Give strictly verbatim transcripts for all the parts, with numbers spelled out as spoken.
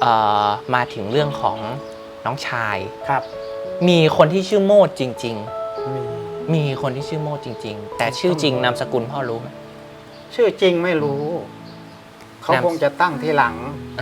เอ่อมาถึงเรื่องของน้องชายครับมีคนที่ชื่อโมดจริงมีๆมีคนที่ชื่อโมดจริงๆแต่ชื่อจริงนามสกุลพ่อรู้ไหมชื่อจริงไม่รู้เขาคงจะตั้งทีหลัง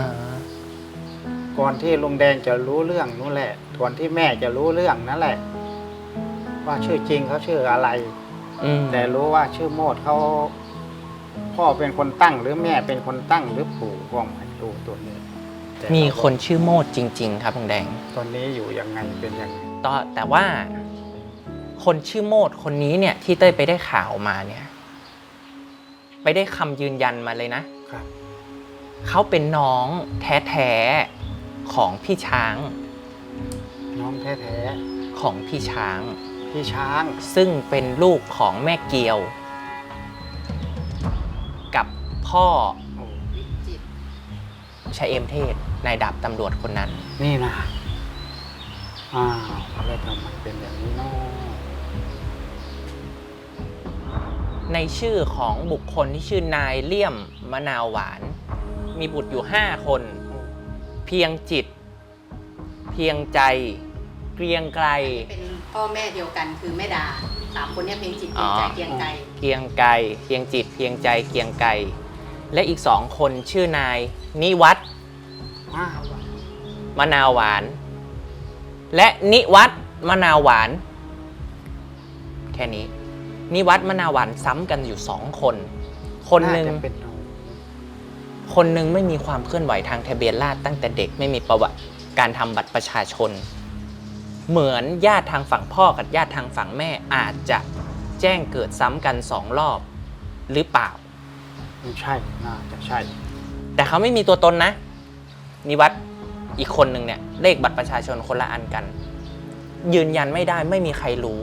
ก่อนที่ลุงแดงจะรู้เรื่องนู่นแหละก่อนที่แม่จะรู้เรื่องนั่นแหละว่าชื่อจริงเขาชื่ออะไรแต่รู้ว่าชื่อโมดเขาพ่อเป็นคนตั้งหรือแม่เป็นคนตั้งหรือปู่ก็ไม่รู้ตัวนี้มีคนชื่อโมดจริงๆครับลุงแดงตอนนี้อยู่ยังไงเป็นยังไงต่อแต่ว่าคนชื่อโมดคนนี้เนี่ยที่เต้ยไปได้ข่าวมาเนี่ยไปได้คำยืนยันมาเลยนะครับเขาเป็นน้องแท้ๆของพี่ช้างน้องแท้ๆของพี่ช้างพี่ช้างซึ่งเป็นลูกของแม่เกียวกับพ่อชัยเอมเทศนายดาบตำรวจคนนั้นนี่นะอ้าวแล้วทำไมเป็นอย่างนี้เนาะในชื่อของบุคคลที่ชื่อนายเลี่ยมมะนาวหวานมีบุตรอยู่ห้าคนเพียงจิตเพียงใจเกรียงไกรเป็นพ่อแม่เดียวกันคือแม่ดาสามคนนี้เพียงจิตเพียงใจเกรียงไกรเกรียงไกรเพียงจิตเพียงใจเกรียงไกรและอีกสองคนชื่อนายนิวัฒน์มะนาวหวานและนิวัฒน์มะนาวหวานแค่นี้นิวัฒน์มะนาวหวานซ้ำกันอยู่สองคนคนหนึ่งคนหนึ่งไม่มีความเคลื่อนไหวทางทะเบียนราษฎร์ตั้งแต่เด็กไม่มีประวัติการทำบัตรประชาชนเหมือนญาติทางฝั่งพ่อกับญาติทางฝั่งแม่อาจจะแจ้งเกิดซ้ำกันสองรอบหรือเปล่าไม่ใช่น่าจะใช่แต่เขาไม่มีตัวตนนะนิวัฒน์อีกคนหนึ่งเนี่ยเลขบัตรประชาชนคนละอันกันยืนยันไม่ได้ไม่มีใครรู้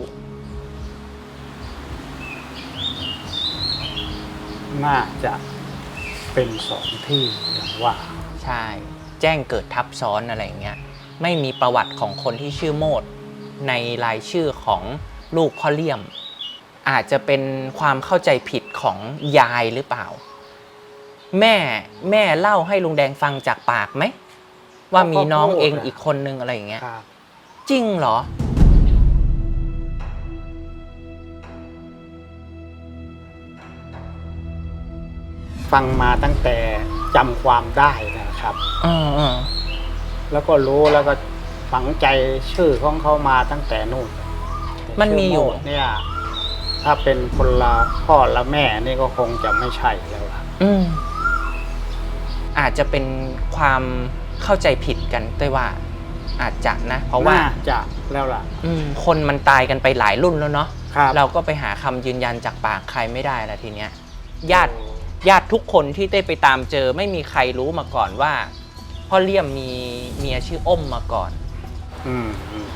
น่าจะเป็นสองที่อย่างว่าใช่แจ้งเกิดทับซ้อนอะไรอย่างเงี้ยไม่มีประวัติของคนที่ชื่อโมดในรายชื่อของลูกพ่อเลี่ยมอาจจะเป็นความเข้าใจผิดของยายหรือเปล่าแม่แม่เล่าให้ลุงแดงฟังจากปากไหมว่ามีน้องเองอีกคนนึงอะไรอย่างเงี้ยจริงเหรอฟังมาตั้งแต่จำความได้นะครับแล้วก็รู้แล้วก็ฝังใจชื่อของเขามาตั้งแต่นู่นมันมีอยู่เนี่ยถ้าเป็นคนละพ่อละแม่นี่ก็คงจะไม่ใช่แล้วล่ะอืมอาจจะเป็นความเข้าใจผิดกันด้วยว่าอาจจะนะเพราะว่าจะแล้วล่ะคนมันตายกันไปหลายรุ่นแล้วเนาะเราก็ไปหาคำยืนยันจากปากใครไม่ได้แล้วทีเนี้ยญาติญาติทุกคนที่ได้ไปตามเจอไม่มีใครรู้มาก่อนว่าพ่อเลี่ยมมีเมียชื่ออ้มมาก่อนอืม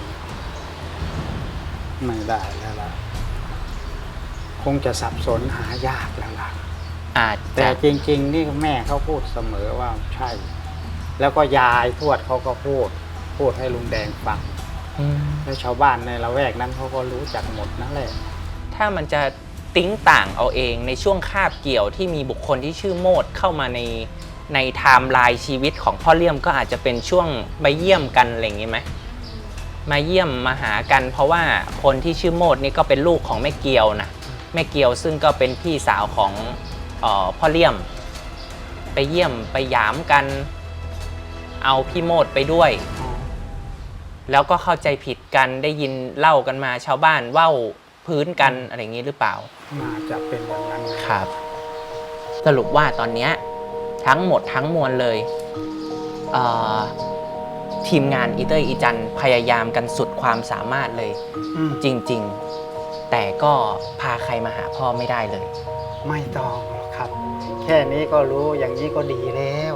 ไม่ได้แล้วล่ะคงจะสับสนหายากแล้วล่ะอาจแต่จริงๆนี่แม่เขาพูดเสมอว่าใช่แล้วก็ยายทวดเขาก็พูดพูดให้ลุงแดงฟังแล้วชาวบ้านในละแวกนั้นเขาก็รู้จักหมดนั่นแหละถ้ามันจะติ้งต่างเอาเองในช่วงคาบเกี่ยวที่มีบุคคลที่ชื่อโมดเข้ามาในในไทม์ไลน์ชีวิตของพ่อเลี่ยมก็อาจจะเป็นช่วงมาเยี่ยมกันอะไรอย่างงี้ไหมมาเยี่ยมมาหากันเพราะว่าคนที่ชื่อโมดนี่ก็เป็นลูกของแม่เกียวนะแม่เกียวซึ่งก็เป็นพี่สาวของเอ่อพ่อเลี่ยมไปเยี่ยมไปหยามกันเอาพี่โมดไปด้วยแล้วก็เข้าใจผิดกันได้ยินเล่ากันมาชาวบ้านเว้าพื้นกันอะไรอย่างนี้หรือเปล่าน่าจะเป็นอย่างนั้นครับสรุปว่าตอนนี้ทั้งหมดทั้งมวลเลยเอ่อทีมงานอีเตอร์อีจันพยายามกันสุดความสามารถเลยจริงๆแต่ก็พาใครมาหาพ่อไม่ได้เลยไม่ต้องหรอกครับแค่นี้ก็รู้อย่างนี้ก็ดีแล้ว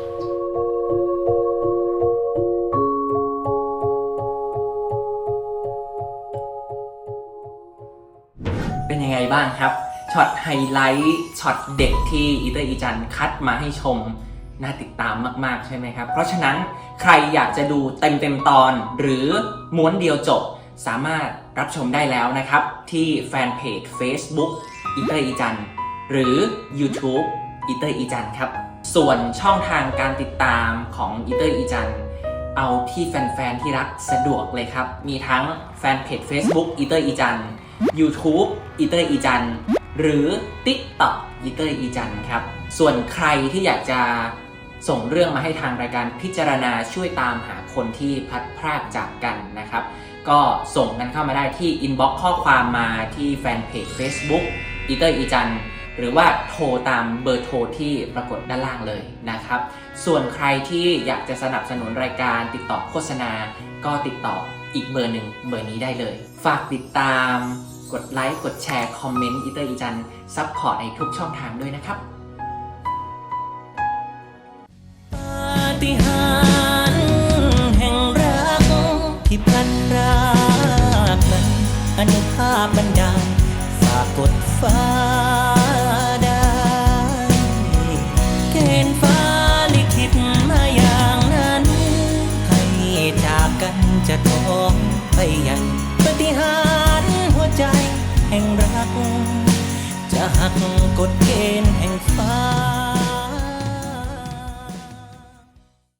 เป็นยังไงบ้างครับช็อตไฮไลท์ช็อตเด็กที่อีเตอร์อีจันคัดมาให้ชมน่าติดตามมากๆใช่ไหมครับเพราะฉะนั้นใครอยากจะดูเต็มๆตอนหรือม้วนเดียวจบสามารถรับชมได้แล้วนะครับที่แฟนเพจ Facebook อีเตอร์อีจันหรือ YouTube อีเตอร์อีจันครับส่วนช่องทางการติดตามของอีเตอร์อีจันเอาที่แฟนๆที่รักสะดวกเลยครับ มีทั้งแฟนเพจ Facebook อีเตอร์อีจัน YouTube อีเตอร์อีจันหรือ TikTok อีเตอร์อีจันครับส่วนใครที่อยากจะส่งเรื่องมาให้ทางรายการพิจารณาช่วยตามหาคนที่พลัดพรากจากกันนะครับก็ส่งกันเข้ามาได้ที่ inbox ข้อความมาที่แฟนเพจ Facebook อีเตอร์อีจันหรือว่าโทรตามเบอร์โทรที่ปรากฏด้านล่างเลยนะครับส่วนใครที่อยากจะสนับสนุนรายการติดต่อโฆษณาก็ติดต่ออีกเบอร์หนึ่งเบอร์นี้ได้เลยฝากติดตามกดไลค์กดแชร์คอมเมนต์อีเตอร์อีจันซัพพอร์ตในทุกช่องทางด้วยนะครับปาฏิหาริย์แห่งรักที่พลันพรากนั้นอนุภาพบันดาลฝากกดฟ้าได้เกณฑ์ฟ้าลิขิตมาอย่างนั้นให้จากกันจะท้องไปยังปาฏิหาริย์หัวใจแห่งรักจะหักกฎเกณฑ์แห่งฟ้า